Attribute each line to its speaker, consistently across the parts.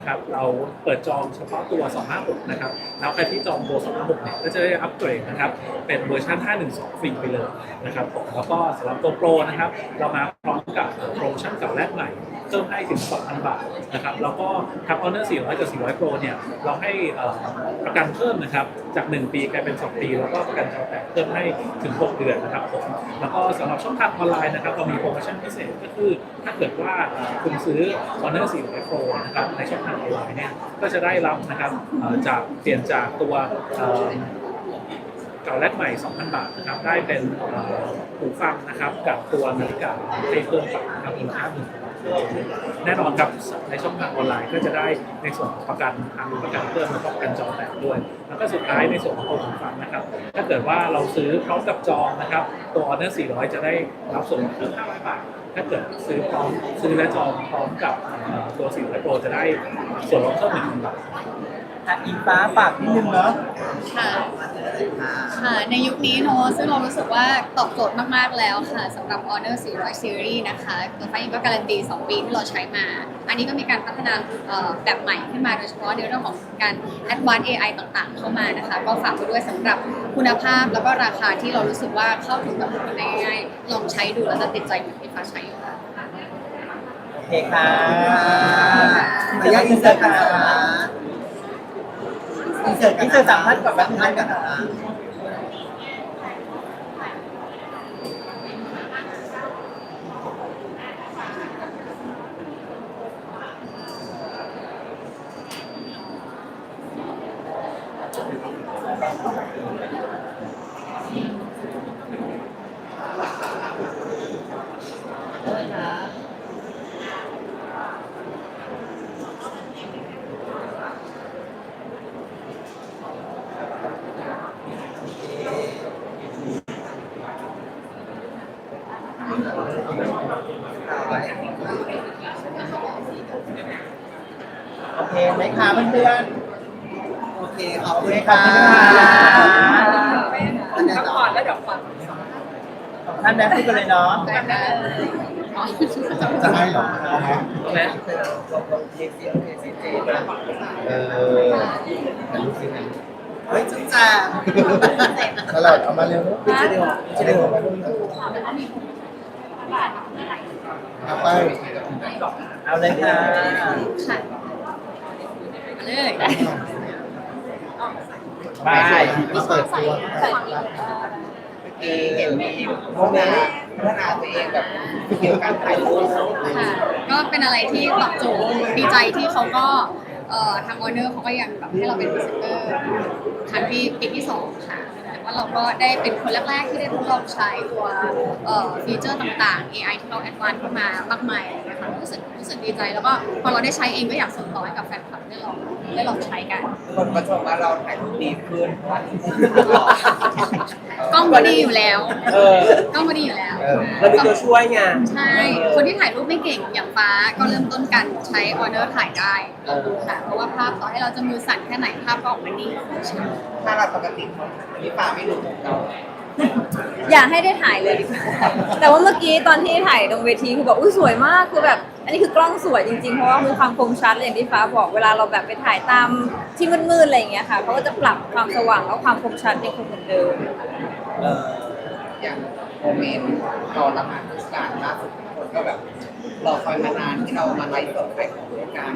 Speaker 1: ครับเราเปิดจองเฉพาะตัว 256 นะครับแล้วใครที่จองตัว 256 เนี่ยก็จะได้อัปเกรดนะครับเป็นเวอร์ชัน 512 ฟรีไปเลยนะครับผมแล้วก็สำหรับตัวโปรนะครับเรามาพร้อมกับโปรโมชั่นเก่าแลกใหม่เพิ่มให้ถึง 2,000 บาทนะครับแล้วก็ทับ Honor 400 กับ 400 Pro เนี่ยเราให้ประกันเพิ่มนะครับจาก 1 ปีกลายเป็น 2 ปีแล้วก็ประกันจอแตกเพิ่มให้ถึง 6 เดือนนะครับผมแล้วก็สำหรับช่องทางออนไลน์นะครับเรามีโปรโมชั่นพิเศษก็คือถ้าเกิดว่าคุณซื้อ Honor 400 Pro นะครับในช่องทางออนไลน์เนี่ยก็จะได้รับนะครับจากเปลี่ยนจากตัวเก่าแลกใหม่ 2,000 บาทนะครับได้เป็นหูฟังนะครับกับตัวนาฬิกาให้เพิ่มไปนะครับมูลค่า1,000แน่นอนครับในช่องทางออนไลน์ก็จะได้ในส่วนของประกันทางประกันเพิ่มแล้วก็ประกันจอแตกด้วยแล้วก็สุดท้ายในส่วนของตัวหูฟังนะครับถ้าเกิดว่าเราซื้อพร้อมกับจองนะครับตัว Honor 400 จะได้รับส่วนลดเพิ่ม500 บาทถ้าเกิดซื้อและจองพร้อมกับตัว400 Pro จะได้ส่วนลดเพิ่ม 1,000 บาท
Speaker 2: อิงฟ้าฝากนิดนึงเนาะ
Speaker 3: ค่ะค่ะในยุคนี้เนาะซึ่งเรารู้สึกว่าตอบโจทย์มากๆแล้วค่ะสำหรับ Honor 400 Series นะคะตัวไฟก็การันตี 2 ปีที่เราใช้มา อันนี้ก็มีการพัฒนาแบบใหม่ขึ้นมาโดยเฉพาะในเรื่องของการ Advanced AI ต่างๆเข้ามานะคะก็ฝากไปด้วยสำหรับคุณภาพแล้วก็ราคาที่เรารู้สึกว่าเข้าถึงกับทุกคนได้ง่ายๆลองใช้ดูแล้วจะติดใจเหมือนที่ฟ้าใช้อยู่ค่ะ
Speaker 2: โอเคค่ะขออนุญาตอินเสิร์ตค่ะอินเสิร์ต3 ท่านกับท่านกันค่ะโอเคไหมคะเพื่อนๆโอเคขอบคุณค่ะก่อนแล้วเดี๋ยวฟังท่านแม่พูดกันเลยเนาะ
Speaker 4: จะให้หรอ
Speaker 2: แม่
Speaker 4: แต่ลูกศิษย์นะ
Speaker 2: เฮ้ยจุ๊บจ้า
Speaker 4: ตลอดเอามาเร็วจะเร็วมาดูเอาไป
Speaker 2: เอาเลยค่ะ
Speaker 3: ค่ะเลย
Speaker 2: ไป
Speaker 4: มาเปิดตัว
Speaker 2: เห็นมีโมเมนต์พัฒนาตัวเองแบบเกี่ยวกับการถ่ายรูป
Speaker 3: ค่ะก็เป็นอะไรที่ตอบโจทย์ดีใจที่เขาก็ทาง Honor เขาก็ยังแบบให้เราเป็นพรีเซนเตอร์ครั้งที่ปีที่2ค่ะแต่ว่าเราก็ได้เป็นคนแรกๆที่ได้ทดลองใช้ตัวฟีเจอร์ต่างๆ AI ที่เราแอดวานซ์ขึ้นมามากมายนะคะรู้สึกดีใจแล้วก็พอเราได้ใช้เองก็อยากส่งต่อให้กับแฟนคลับได้ลองใช้กัน
Speaker 2: คนก็ชมว่าเราถ่ายรูปดีขึ้น
Speaker 3: กล้องก็ดีอยู่แล้วกล้องก็ดีอยู่แล้ว
Speaker 2: เรามีตัวช่วยไง
Speaker 3: ใช่คนที่ถ่ายรูปไม่เก่งอย่างฟ้าก็เริ่มต้นกันใช้ Honor ถ่ายได้ค่ะเพราะว่าภาพต่อให้เราจะมือสั่นแค่ไหนภาพก็ออกมาดี
Speaker 2: ถ้าเราปกตินี่ป่าไม่รู้ของเรา
Speaker 5: อยากให้ได้ถ่ายเลยดีกว่าแต่ว่าเมื่อกี้ตอนที่ถ่ายตรงเวทีคือแบบอุ้ยสวยมากคือแบบอันนี้คือกล้องสวยจริงๆเพราะว่ามีความคมชัดอย่างที่ฟ้าบอกเวลาเราแบบไปถ่ายตามที่มืดๆอะไรอย่างเงี้ยค่ะเขาก็จะปรับความสว่างแล้วความคมชัดยังคงเหมือนเดิม
Speaker 2: อย่างโมเมนต์ตอนละหมาดการล่าสุดคนก็แบบรอคอยมานานที่เรามาไลฟ์สดขายของด้วยกัน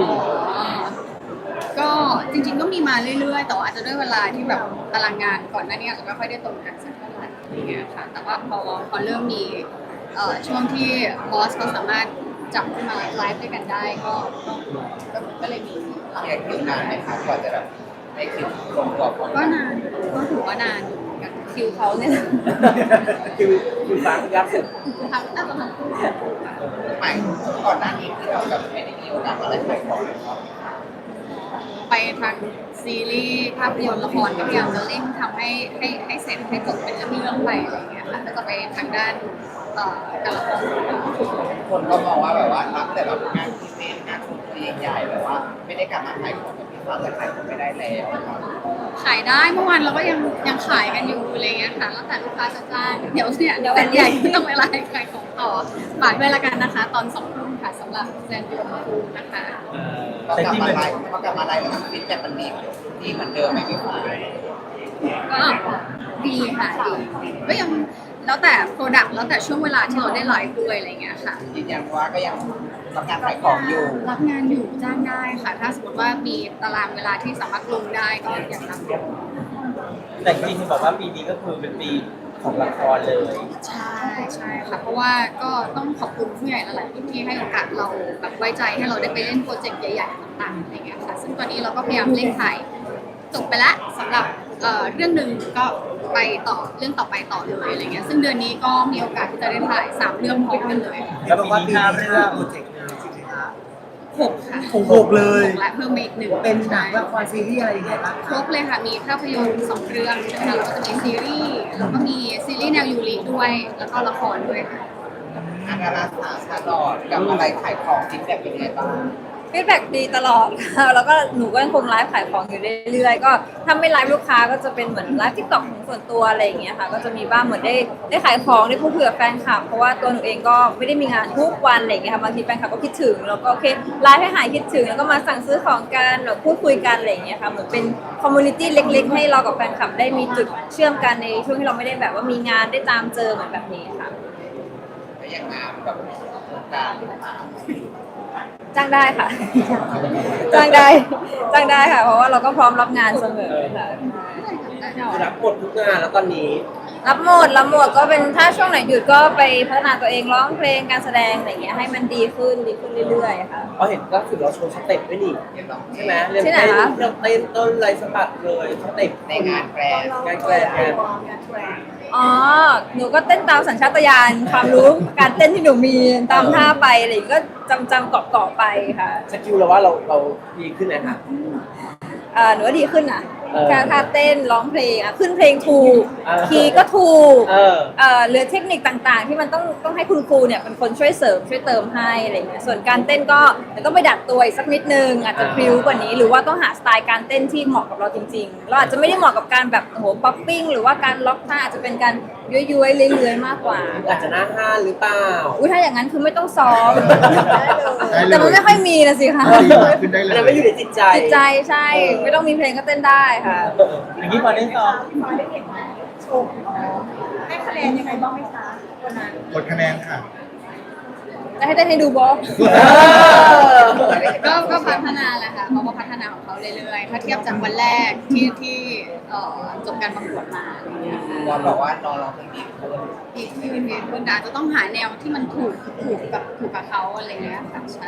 Speaker 3: ก็จริงๆก็มีมาเรื่อยๆแต่ว่าอาจจะด้วยเวลาที่แบบตารางงานก่อนหน้านี้อาจจะไม่ค่อยได้ตรงกันสักเท่าไหร่อย่างเงี้ยค่ะแต่ว่าพอเริ่มมีช่วงที่บอสเขาสามารถจับขึ้นมาไลฟ์ด้วยกันได้ก็เลยมี
Speaker 2: อยากคิวนานไหมคะกว่าจะแบบได้คิวตรงกับ
Speaker 3: ก็นานก็ถือว่านานอยู่เหมือนกันคิวเขาเนี่ย
Speaker 2: คิวฟังยากสุด
Speaker 3: ทำน่าจะทำคู่
Speaker 2: ใหม่ก่อนหน้านี้ที่เราแบบไม่ได้มีโอกาสมาได้ขายของเลยครับ
Speaker 3: ไปทางซีรีส์ภาพยนตร์ละครก็พยายามจะเร่งทำให้เสร็จให้จบเป็นเรื่องไปอะไรอย่างเงี้ยค่ะแล้วจะไปทางด้านการละคร
Speaker 2: คนก็มองว่าแบบว่ารับแต่แบบงานพิเศษงานสุดใหญ่แบบว่าไม่ได้กลับมาขายของแบบพี่ฟ้าแต่ขายของไม่ได้แล้ว
Speaker 3: ขายได้เมื่อวานเราก็ยังขายกันอยู่อะไรเงี้ยค่ะแล้วแต่ลูกค้าจะจ้างเดี๋ยวแฟนใหญ่ที่ต้องเวลาขายของต่อฝากด้วยละกันนะคะตอน2 ทุ่มค่ะสำหรับแซนดูมาคูนะคะ
Speaker 2: พอกลับมาไลฟ์แล้วฟีดแบ็กมันดีเหมือนเดิมไหมพี่ฟ้า
Speaker 3: ก็ดีค่ะดีก็ยังแล้วแต่โปรดักต์แล้วแต่ช่วงเวลาที่เราได้ไลฟ์ด้วยอะไรเงี้ยค่ะ
Speaker 2: ยืนยันว่าก็ยังรับการขายของอยู่
Speaker 3: รับงานอยู่จ้างได้ค่ะ ถ้าสมมติว่ามีตารางเวลาที่สามารถลงได้ก็อยากรับ
Speaker 6: แต่จริงๆบอกว่าปีนี้ก็คือเป็นปีของละครเลย
Speaker 3: ใช่ใช่ค่ะเพราะว่าก็ต้องขอบคุณผู้ใหญ่หลายๆที่ให้โอกาสเราแบบไว้ใจให้เราได้ไปเล่นโปรเจกต์ใหญ่ๆต่างๆอะไรเงี้ยค่ะซึ่งตอนนี้เราก็พยายามเร่งถ่ายจบไปแล้วสำหรับเรื่องหนึ่งก็ไปต่อเรื่องต่อไปต่อเลยอะไรเงี้ยซึ่งเดือนนี้ก็มีโอกาสที่จะได้ถ่าย3เรื่องพร้อมกันเลย
Speaker 6: แล้วบอกว่าปีนี้เรื่อง
Speaker 7: โปรเจกต์เลยใช่ไหมคะ
Speaker 3: 6ค่ะ
Speaker 7: หกเลย
Speaker 3: 6และเพิ่มมาอีก1
Speaker 7: เป็นหนังละครซีรีส์อะไรยังไงบ้าง
Speaker 3: ครบเลยค่ะมีภาพยนตร์2เรื่องใช่ไหมคะแล้วก็จะมีซีรีส์แล้วก็มีซีรีส์แนวยูริด้วยแล้วก็ละครด้วยค่ะ
Speaker 2: อาดาราสาวชาลอดกับอะไรขายของฟีดแบ็กเป็นยังไงบ้าง
Speaker 5: ฟีดแบ็กดีตลอดค่ะแล้วก็หนูก็ยังคงไลฟ์ขายของอยู่เรื่อยๆก็ถ้าไม่ไลฟ์ลูกค้าก็จะเป็นเหมือนไลฟ์ทิกตอกของส่วนตัวอะไรอย่างเงี้ยค่ะก็จะมีบ้างเหมือนได้ขายของได้พูดคุยกับแฟนคลับเพราะว่าตัวหนูเองก็ไม่ได้มีงานทุกวันอะไรอย่างเงี้ยค่ะบางทีแฟนคลับก็คิดถึงแล้วก็โอเคไลฟ์ให้หายคิดถึงแล้วก็มาสั่งซื้อของกันแบบพูดคุยกันอะไรอย่างเงี้ยค่ะเหมือนเป็นคอมมูนิตี้เล็ก ๆ ให้เรากับแฟนคลับได้มีจุดเชื่อมกันในช่วงที่เราไม่ได้แบบว่ามีงานได้ตามเจอเหมือนแบบนี้ค่ะ
Speaker 2: แล้วอย่างงานแบบการ
Speaker 5: จ้างได้ค่ะ จ้างได้ค่ะ เพราะว่าเราก็พร้อมรับงานเสมอค่ะ
Speaker 6: รับหมดทุกงานแล้วตอนนี้
Speaker 5: รับหมดก็เป็นถ้าช่วงไหนหยุดก็ไปพัฒนาตัวเองร้องเพลงการแสดงอะไรอย่างเงี้ยให้มันดีขึ้นเรื่อยๆค่ะ
Speaker 6: เพราะเห็นก็คือเราโชว์สเต็ปด้วยนี่
Speaker 2: เห็นหรอ
Speaker 6: ใช่ไหมเรื่อง
Speaker 5: ที่ไหน
Speaker 6: เต้น
Speaker 5: คะ
Speaker 6: เรื่องเต้นต้นไรสะบัดเลยสเต็ป
Speaker 2: ในงานแกรนด์
Speaker 6: งานแกรนด์งาน
Speaker 5: อ๋อหนูก็เต้นตามสัญชาตญาณความรู้การเต้นที่หนูมีตามท่าไปอะไรอย่างเงี้ยก็จำเกาะไปค่ะ
Speaker 6: สกิลเราว่าเราดีขึ้นไหมคะ
Speaker 5: หนูว่าดีขึ้นอ่ะ
Speaker 6: เออ
Speaker 5: ท่าเต้นร้องเพลงอ่ะขึ้นเพลงถูก
Speaker 6: เออ
Speaker 5: คีย์ก็ถูก
Speaker 6: เออ
Speaker 5: เหลือเทคนิคต่างๆ ที่มันต้องให้คุณครูเนี่ยเป็นคนช่วยเสริมช่วยเติมให้อะไรอย่างเงี้ยส่วนการเต้นก็เดี๋ยวต้องไปดัดตัวอีกสักนิดนึงอาจจะพริ้วกว่านี้หรือว่าต้องหาสไตล์การเต้นที่เหมาะกับเราจริงๆเราอาจจะไม่ได้เหมาะกับการแบบโอ้โหป๊อปปิ้งหรือว่าการล็อกท่าอาจจะเป็นการย้วยๆเลื้อยๆมากกว่า
Speaker 6: อาจจะหน้าห้านหรือเปล่า
Speaker 5: อุ้ยถ้าอย่างนั้นคือไม่ต้องซ้อม
Speaker 4: ได้เลย
Speaker 5: แต่มันไม่ค่อยมีนะสิคะ
Speaker 4: ดีมากขึ้นได้เล
Speaker 6: อันนั้นไม่อยู่ในจิตใจ
Speaker 5: จิตใจใช่ ไม่ต้องมีเพลงก็เต้นได้ค่ะ
Speaker 6: อย่างนี้พอได้ซ้อม
Speaker 5: ให้คะแนนยังไงบ้างไหมคะวันนั้น
Speaker 4: กดคะแนนค่ะ
Speaker 5: จะให้เต้นให้ดูบอส
Speaker 3: ก็พัฒนาแหละค่ะเขาก็พัฒนาของเขาเรื่อยๆถ้าเทียบจากวันแรกที่จบการประกวดมาอะไรเงี้ยค่ะ
Speaker 2: เราบอกว่าน้องเพลงดีขึ้น
Speaker 3: อีกที่เป็นเพื่อนอาจจะต้องหาแนวที่มันถูกกับเขาอะไรเงี้ยค่ะใช่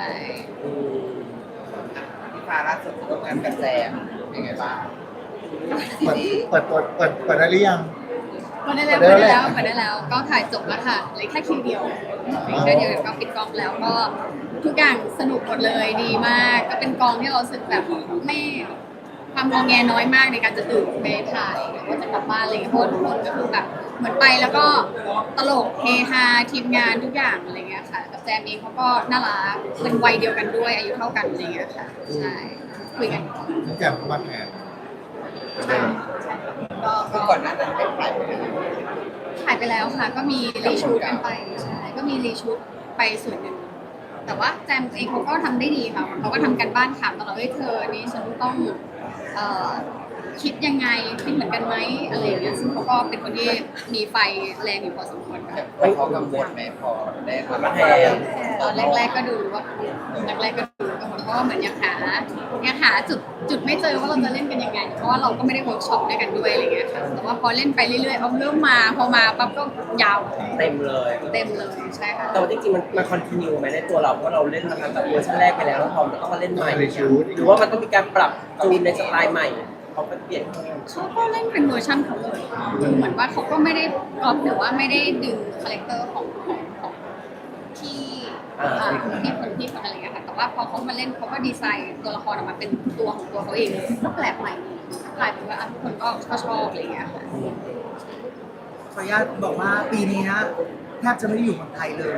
Speaker 2: พี่ฟ้าล่าสุดร่วมงานกับแซมเป็นไงบ้าง
Speaker 4: เปิดได้หรือยัง
Speaker 3: เปิดได้แล้วก็ถ่ายจบแล้วค่ะเหลือแค่คิวเดียวเดี๋ยวก็ปิดกองแล้วก็ทุกอย่างสนุกหมดเลยดีมาก ก็เป็นกองที่เรารู้สึกแบบไม่ความงอแงน้อยมากในการจะตื่นไปถ่ายหรือว่าจะกลับบ้านอะไรอย่างเงี้ยเพราะว่าทุกคนก็คือแบบเหมือนไปแล้วก็ตลกเฮฮาทีมงานทุกอย่างอะไรเงี้ยค่ะกับแจมเองเขาก็น่ารักเป็นวัยเดียวกันด้วยอายุเท่ากันอะไรเงี้ยค่ะใช่คุยกัน
Speaker 4: น้องแจ่มเข้ามาแทน
Speaker 2: คือก่อนหน้านั้นเป็นใคร
Speaker 3: ถ่ายไปแล้วค่ะ ก็มีรีชูตกันไปใช่ก็มีรีชูตไปส่วนหนึ่งแต่ว่าแจมเองเขาก็ทำได้ดีค่ะเขาก็ทำกันบ้านถามตลอดว่าเธอนี่ฉันต้องคิดยังไงคิดเหมือนกันไหมอะไรอย่างเงี้ยซึ่งเขาก็เป็นคนที่มีไฟแรงอยู่พอสมควรค่ะ
Speaker 2: เขากังวลไหมพอได้มาแทน
Speaker 3: ตอนแรกๆก็ดูว่าแรกๆก็ดูกังวลเพราะว่าเหมือนยังหาจุดไม่เจอว่าเราจะเล่นกันยังไงเพราะว่าเราก็ไม่ได้เวิร์กช็อปด้วยกันด้วยอะไรเงี้ยค่ะแต่ว่าพอเล่นไปเรื่อยๆเอาเริ่มมาพอมาปั๊บก็ยาว
Speaker 6: เต็มเลย
Speaker 3: เต็มเลยใช่ค่ะ
Speaker 6: แต่ว่าจริงๆมันคอนติเนียไหมในตัวเราเพราะเราเล่นมาตั้งแต่เวอร์ชันแรกไปแล้วแล้วพอมันต้องมาเล่นใหม่หรือว่ามันต้องมีการปรับจูนในสไตล์ใหม่เขาก็เปลี่ยน
Speaker 3: เขาก็เล่นเป็นเวอร์ชันเขาเลยคือเหมือนว่าเขาก็ไม่ได้ก๊อปหรือว่าไม่ได้ดึงคาแรคเตอร์ของที่ที่คนอะไรเงี้ยค่ะแต่ว่าพอเขามาเล่นเขาก็ดีไซน์ตัวละครออกมาเป็นตัวของตัวเขาเองก็แปลกใหม่กลายเป็นว่าทุกคนก็ชอบอะไรเงี้ยค่ะ
Speaker 7: ขออนุญาตบอกว่าปีนี้นะแทบจะไม่ได้อยู่เมืองไทยเลย อ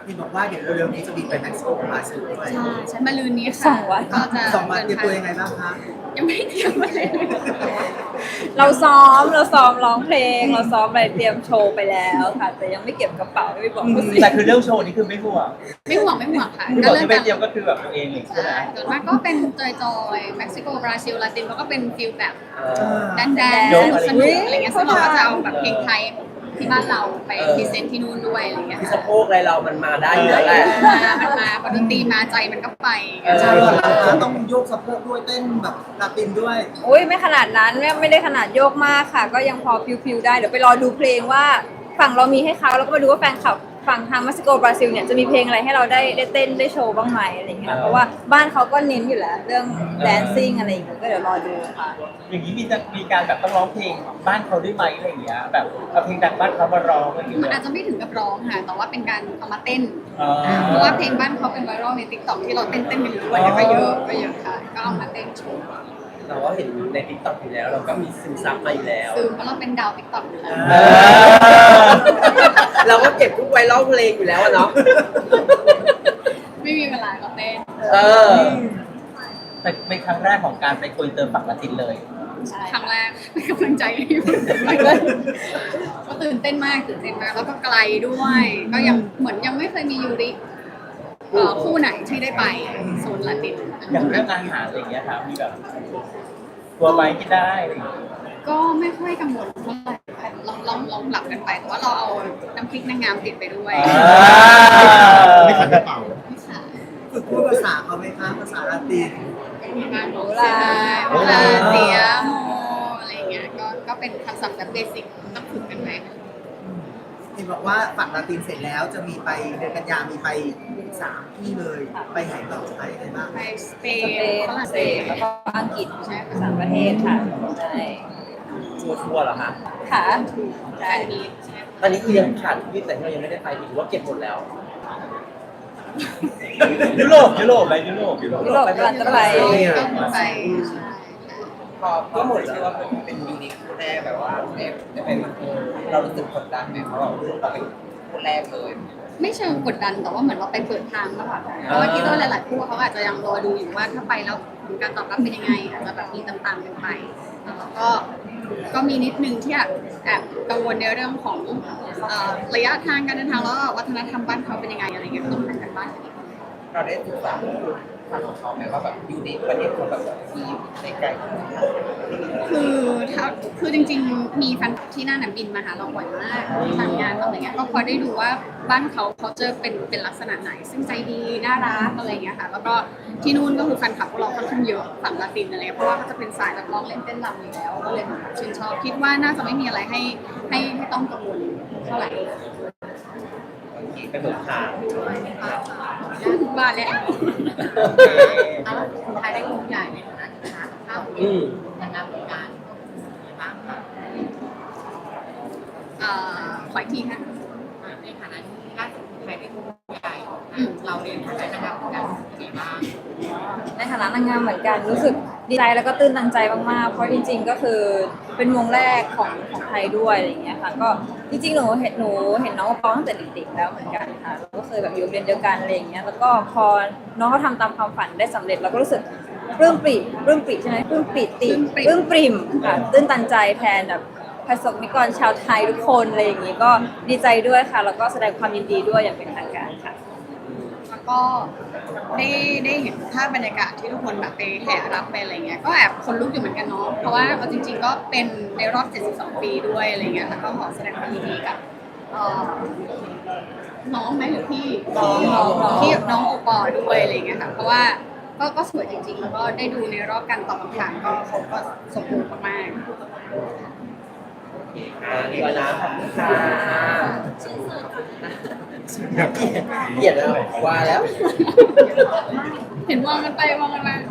Speaker 7: เห็นบอกว่าเดี๋ยวเร็วๆนี้จะบินไปเม็กซิโกกับบราซิลด้วย
Speaker 3: ใช่ใช้มาลืนนี้
Speaker 5: สอ
Speaker 3: ค่ะ
Speaker 5: งวัน
Speaker 3: ก็จะ
Speaker 7: 2 วันเตรียมตัวยังไงบ้างคะ
Speaker 3: ยังไม่เตรียมอะไรเลย
Speaker 5: เราซ้อมร้องเพลง เราซ้อมอะไรเตรียมโชว์ไปแล้วค่ะ แต่ยังไม่เก็บกระเป๋าไม่บอกผู้สิ
Speaker 8: แต่คือเรื่องโชว์นี่คือไม่ห่วง
Speaker 3: ไม่ห่วงค่ะ
Speaker 8: คือ
Speaker 3: ก็
Speaker 8: บอก
Speaker 3: เริ่ม
Speaker 8: ที่ไป
Speaker 3: จาก
Speaker 8: เตรียมก็คือแบบตัวเองเลยใช่ไหม
Speaker 3: ใช่ส่วนมากก็เป็นจอยๆเม็กซิโกบราซิลลาตินเขาก็เป็นฟิลแบบ แดน
Speaker 8: โยก
Speaker 3: สนุกอะไรเงี้ยซึ่งเราก็จะเอาแบบเพลงไทยที่บ้านเราไปพรีเซนต์ที่นู่นด้วยอะไรเงี้ย
Speaker 6: ที่สะโพกอะไรเรามันมาได้อยู่แล้วแหละ
Speaker 3: มันมาพอดนตรีมาใจมันก็ไป
Speaker 7: ใช่ต้องโยกสะโพกด้วยเต้นแบบลาตินด้วย
Speaker 5: อุ้ยไม่ขนาดนั้นไม่ได้ขนาดโยกมากค่ะ ก็ยังพอฟิวๆได้เดี๋ยวไปรอดูเพลงว่าฝั่งเรามีให้เขาแล้วก็มาดูว่าแฟนคลับฝั่งทางเม็กซิโกบราซิลเนี่ยจะมีเพลงอะไรให้เราได้เต้นได้โชว์บ้างไหมอะไรอย่างเงี้ยเพราะว่าบ้านเขาก็เน้นอยู่แล้วเรื่องแดนซิ่งอะไรอย่างเงี้ยก็เดี๋ยวรอดูค่ะ
Speaker 8: อย่างนี้มีการแบบต้องร้องเพลงบ้านเขาด้วยไหมอะไรอย่างเงี้ยแบบเอาเพลงดังบ้านเขามาร้องอะไรอย่าง
Speaker 3: มัน
Speaker 8: เงี้
Speaker 3: อาย จจะไม่ถึงกับร้องค่ะแต่ว่าเป็นการเอามาเต้น
Speaker 8: อ๋อ
Speaker 3: เพราะว่าเพลงบ้านเขาเป็นไวรัลในติ๊กต็อกที่เราเต้นกันอยู่ด้วยก็เยอะค่ะก็เอามาเต้นโชว์
Speaker 6: เราก็เห็นในทิกตอกอยู่แล้ว เราก็มีซึมซับมาอยู่แล้ว
Speaker 3: ซึ่งเพราะเราเป็นดาวติ๊กต็อกอยู่แล้ว
Speaker 6: เราก็เก็บทุกไวรัลเพลงอยู่แล้วอะเนาะ
Speaker 3: ไม่มีเวลาก็เต้น
Speaker 6: เออ
Speaker 8: แต่เป็นครั้งแรกของการไปโกอินเตอร์ฝั่งละตินเลย
Speaker 3: ครั้งแรกเป็นกำลังใจให้อยู่ก็ตื่นเต้นมากแล้วก็ไกลด้วย ก็ยังเหมือนยังไม่เคยมียูริคู่ไหนที่ได้ไปโซนลาติน
Speaker 8: อย่างเรื่องอาหารอะไรอย่างเงี้ยครับมีแบบตัวไม้กินได้อะไรอย่างเงี้ย
Speaker 3: ก็ไม่ค่อยกังวลเท่าไหร่ค่ะลองหลับกันไปแต่ว่าเราเอาน้ำพริกนางงามติดไปด้วย
Speaker 4: ไม่ขัดกระเป๋า
Speaker 7: ฝึกพูดภาษาเขาไหมคะภาษาลาติน
Speaker 3: มีการโบราณเตียโมอะไรอย่างเงี้ยก็เป็นคำศัพท์แบบเบสิกต้องฝึกกันไป
Speaker 7: เห็นบอกว่าฝั่งลาตินเสร็จแล้วจะมีไปเดือนกันยามีไป3 ที่เลย ไปไหนต่อไปยังไงบ้าง
Speaker 3: ไปสเป
Speaker 5: สเป
Speaker 3: น
Speaker 5: น
Speaker 3: ฝรั่ง
Speaker 5: เศ
Speaker 3: เศ
Speaker 5: ส
Speaker 3: ส
Speaker 5: แล้วก็อังกฤษ
Speaker 3: ใช่ค่ะ
Speaker 5: สามประเทศค่ะใช่
Speaker 6: ทัวร์เหรอคะ
Speaker 5: ค่ะ
Speaker 3: แฟนมีตใช่ไหม
Speaker 6: อันนี้คือยังขาดที่แต่ที่เรายังไม่ได้ไปหรือว่าเก็บหมดแล้ว
Speaker 8: ยุโรปอะไรยุโรป
Speaker 5: ยุโรปกำลังจะไป
Speaker 3: ก็ไป
Speaker 2: พอหมดแล้วว่าเป็นยูนิคคู่แรกแบบว่าได้เป็นเรารู้สึกกดดันไหมเพราะเราเป็นคู่แรกเลย
Speaker 3: ไม่เชิงกดดันแต่ว่าเหมือนเราไปเปิดทางมากกว่าเพราะว่าคิดว่าหลายๆคู่เขาอาจจะยังรอดูอยู่ว่าถ้าไปแล้วผลการตอบรับเป็นยังไงอาจจะแบบมีตามๆกันไปแล้วก็มีนิดนึงที่แอบกังวลในเรื่องของระยะทางการเดินทางแล้วก็วัฒนธรรมบ้านเขาเป็นยังไงอะไรเงี้ยก็ต้องทำกันบ้านกันอีก
Speaker 2: เราได้ศึกษาทางของเขาไหมว่าแบบยูนิคประเทศเขาแบบมีในไกล
Speaker 3: คือจริงๆ มีแฟนที่นั่นบินมาหาเราบ่อยมากทำงานอะไรเงี้ยก็พอได้ดูว่าบ้านเขาจะเป็นลักษณะไหน ซึ่งใจดีน่ารักอะไรเงี้ยค่ะแล้วก็ที่นู่นก็คือแฟนคลับพวกเราค่อนข้างเยอะฝั่งลาตินอะไรเพราะว่าเขาจะเป็นสายแบบร้องเล่นเต้นรำอยู่แล้วก็เลยชื่นชอบคิดว่าน่าจะไม่มีอะไรให้ต้องกังวลเท่าไหร่
Speaker 6: ไปเปิดทาง
Speaker 3: บ้านแล้ว
Speaker 2: คนไทยได้กลุ่มใหญ่ในฐานะที่ค้าข้าว
Speaker 6: อืม
Speaker 2: นางงามเหมือนกันบ้างคะ
Speaker 3: ขออีกทีค่ะ
Speaker 2: ในฐานะที่ล่าสุดไทยได้กลุ่มใหญ่เราเรียนฐานะนางงามเหมือนกันเป็นไงบ้าง
Speaker 5: ในฐานะนางงามเหมือนกันรู้สึกดีใจแล้วก็ตื้นตันใจมากๆ เพราะจริงๆก็คือเป็นวงแรกของไทยด้วยอะไรอย่างเงี้ยค่ะก็จริงๆหนูเห็นน้องปอตั้งแต่เด็กๆแล้วเหมือนกันค่ะเราก็เคยแบบอยู่โรงเรียนเดียวกันอะไรอย่างเงี้ยแล้วก็พอน้องเขาทำตามความฝันได้สำเร็จเราก็รู้สึกปลื้มปริ่มใช่ไหมปลื้มปริ่มค่ะตื้นตันใจแทนแบบประสบนิกรชาวไทยทุกคนอะไรอย่างงี้ก็ดีใจด้วยค่ะแล้วก็แสดงความยินดีด้วยอย่างเป็นทางการค่ะ
Speaker 3: แล้วก็ได้เห็นภาพบรรยากาศที่ทุกคนแบบไปแห่รับไปอะไรเงี้ยก็แอบคนลุกอยู่เหมือนกันเนาะเพราะว่าเอาจริง ๆ ก็เป็นในรอบ 72 ปีด้วยอะไรเงี้ยแล้วก็ขอแสดงความยินดีกับน้องไหมหรือพี่ที่น้องโอปอด้วยอะไรเงี้ยค่ะเพราะว่าก็สวยจริงๆ แล้วก็ได้ดูในรอบการตอบคำถามก็เขาก็สมบูรณ์มาก
Speaker 6: ดีกว่านะขอบคุณค่ะเกลียดแล้วว่าแล้ว
Speaker 3: เห็นมองกันไปมองกันมา